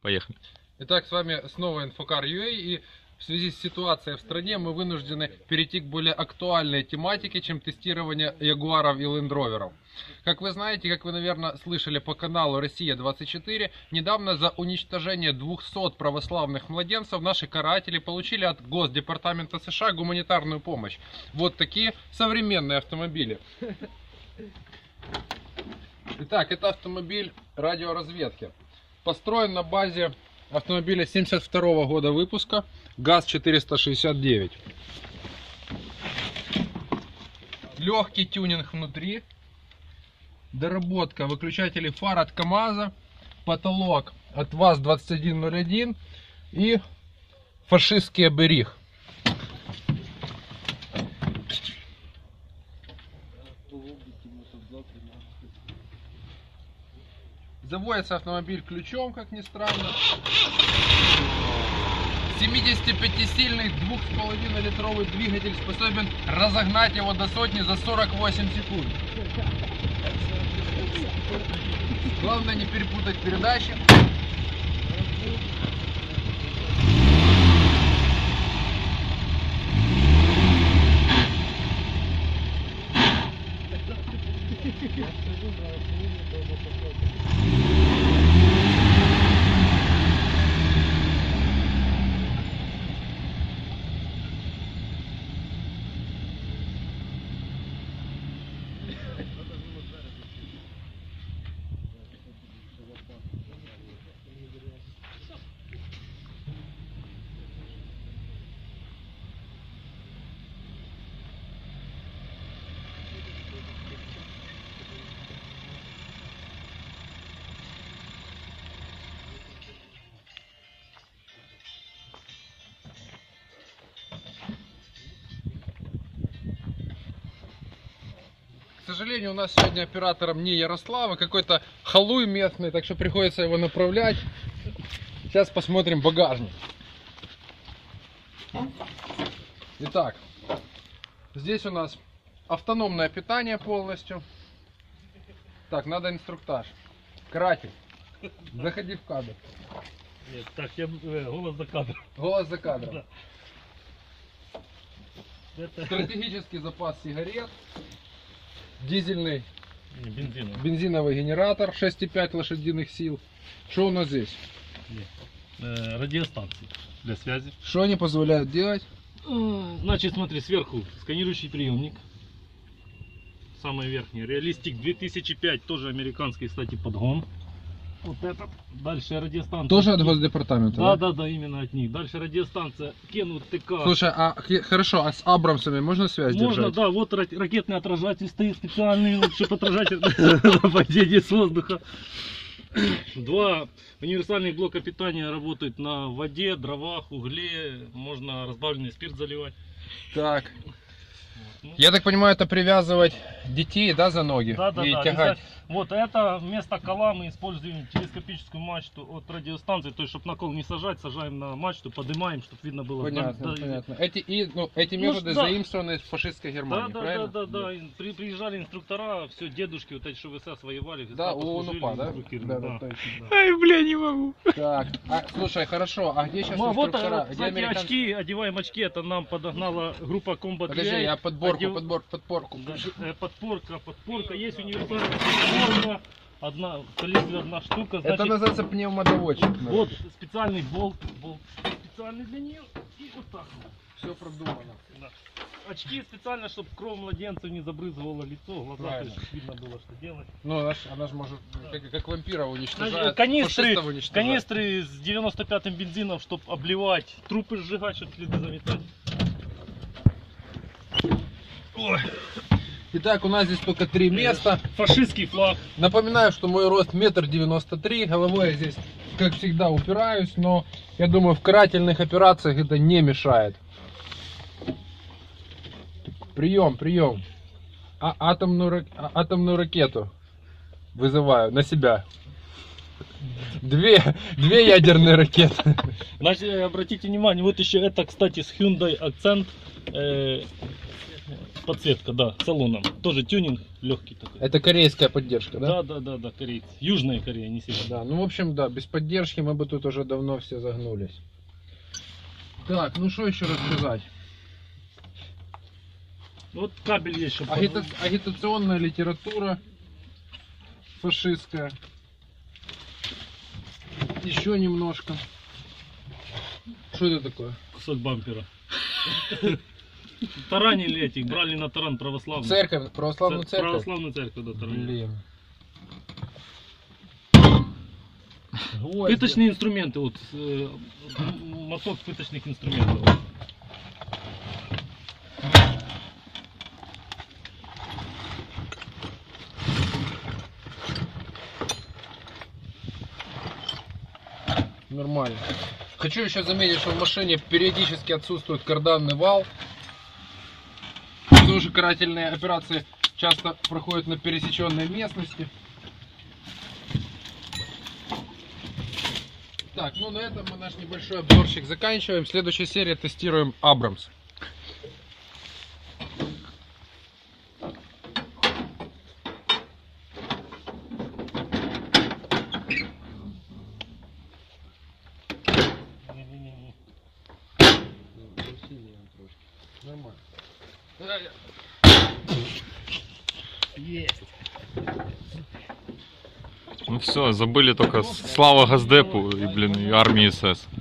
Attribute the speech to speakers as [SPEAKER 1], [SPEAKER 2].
[SPEAKER 1] Поехали.
[SPEAKER 2] Итак, с вами снова Infokar.ua, и в связи с ситуацией в стране мы вынуждены перейти к более актуальной тематике, чем тестирование Ягуаров и Лендроверов. Как вы знаете, как вы, наверное, слышали по каналу Россия-24, недавно за уничтожение 200 православных младенцев наши каратели получили от Госдепартамента США гуманитарную помощь. Вот такие современные автомобили. Итак, это автомобиль радиоразведки. Построен на базе автомобиля 72 года выпуска, ГАЗ-469. Легкий тюнинг внутри, доработка выключателей фар от КамАЗа, потолок от ВАЗ-2101 и фашистский оберіг. Заводится автомобиль ключом, как ни странно. 75-сильный 2,5-литровый двигатель способен разогнать его до сотни за 48 секунд. Главное не перепутать передачи. К сожалению, у нас сегодня оператором не Ярослав, а какой-то халуй местный, так что приходится его направлять. Сейчас посмотрим багажник. Итак, здесь у нас автономное питание полностью. Так, надо инструктаж. Каратель, заходи в кадр.
[SPEAKER 3] Нет, так, я голос за кадром.
[SPEAKER 2] Голос за кадром.
[SPEAKER 3] Да. Это...
[SPEAKER 2] Стратегический запас сигарет. Дизельный
[SPEAKER 3] бензиновый
[SPEAKER 2] генератор 6,5 лошадиных сил. Что у нас здесь?
[SPEAKER 3] Радиостанции для связи.
[SPEAKER 2] Что они позволяют делать?
[SPEAKER 3] Значит, смотри, сверху сканирующий приемник. Самый верхний. Реалистик 2005, тоже американский, кстати, подгон. Вот этот. Дальше радиостанция.
[SPEAKER 2] Тоже от Госдепартамента?
[SPEAKER 3] Да, именно от них. Дальше радиостанция Кену ТК.
[SPEAKER 2] Слушай, хорошо, а с Абрамсами можно связь держать?
[SPEAKER 3] Можно, да, вот ракетный отражатель стоит специальный, чтобы отражатель на падение с воздуха. Два универсальных блока питания работают на воде, дровах, угле. Можно разбавленный спирт заливать.
[SPEAKER 2] Так. Я так понимаю, это привязывать детей, да, за ноги?
[SPEAKER 3] Да,
[SPEAKER 2] и тягать.
[SPEAKER 3] Вот это вместо кола мы используем телескопическую мачту от радиостанции, то есть чтобы на кол не сажать, сажаем на мачту, поднимаем, чтобы видно было.
[SPEAKER 2] Понятно, понятно. Эти методы заимствованы из фашистской Германии, правильно?
[SPEAKER 3] Да. Приезжали инструктора, все, дедушки, вот эти, что в СС воевали.
[SPEAKER 2] Да, у УНУПА, да?
[SPEAKER 3] Да.
[SPEAKER 1] Ай, бля, не могу.
[SPEAKER 2] Так, слушай, хорошо, а где сейчас инструктора?
[SPEAKER 3] Вот, кстати, очки, одеваем очки, это нам подогнала группа Combat.
[SPEAKER 2] Подожди, я подборку.
[SPEAKER 3] Подпорка, есть универсальная. Одна штука. Значит,
[SPEAKER 2] это называется пневмодоводчик.
[SPEAKER 3] Вот специальный болт специальный для нее. И вот так вот.
[SPEAKER 2] Все продумано.
[SPEAKER 3] Да. Очки специально, чтобы кровь младенцев не забрызывала лицо, глаза, то есть видно было, что делать.
[SPEAKER 2] Ну, она же может, как вампиров уничтожает,
[SPEAKER 3] канистры
[SPEAKER 2] уничтожает.
[SPEAKER 3] Канистры с 95-м бензином, чтобы обливать, трупы сжигать, чтобы следы заметать.
[SPEAKER 2] Ой. Итак, у нас здесь только 3 места.
[SPEAKER 3] Фашистский флаг.
[SPEAKER 2] Напоминаю, что мой рост 1,93 м. Головой я здесь, как всегда, упираюсь, но я думаю, в карательных операциях это не мешает. Прием. Атомную ракету вызываю на себя. Две ядерные ракеты.
[SPEAKER 3] Значит, обратите внимание, вот еще это, кстати, с Hyundai Accent. подсветка, да, салоном. Тоже тюнинг легкий такой.
[SPEAKER 2] Это корейская поддержка, да?
[SPEAKER 3] Да, корейцы. Южная Корея, не северная.
[SPEAKER 2] Да, ну в общем, да, без поддержки мы бы тут уже давно все загнулись. Так, ну что еще рассказать?
[SPEAKER 3] Вот кабель есть, чтобы...
[SPEAKER 2] Агитационная литература фашистская. Еще немножко. Что это такое?
[SPEAKER 3] Кусок бампера. Таранили этих, брали на таран православную.
[SPEAKER 2] Церковь, православную церковь?
[SPEAKER 3] Православную церковь, да, таранили.
[SPEAKER 2] Блин.
[SPEAKER 3] Пыточные инструменты, вот, моток пыточных инструментов.
[SPEAKER 2] Нормально. Хочу еще заметить, что в машине периодически отсутствует карданный вал. Тоже карательные операции часто проходят на пересеченной местности. Так, ну на этом мы наш небольшой обзорчик заканчиваем. В следующей серии тестируем Абрамс. Нормально.
[SPEAKER 3] Есть.
[SPEAKER 1] Ну все, забыли только слава Газдепу и, блин, и армии СС.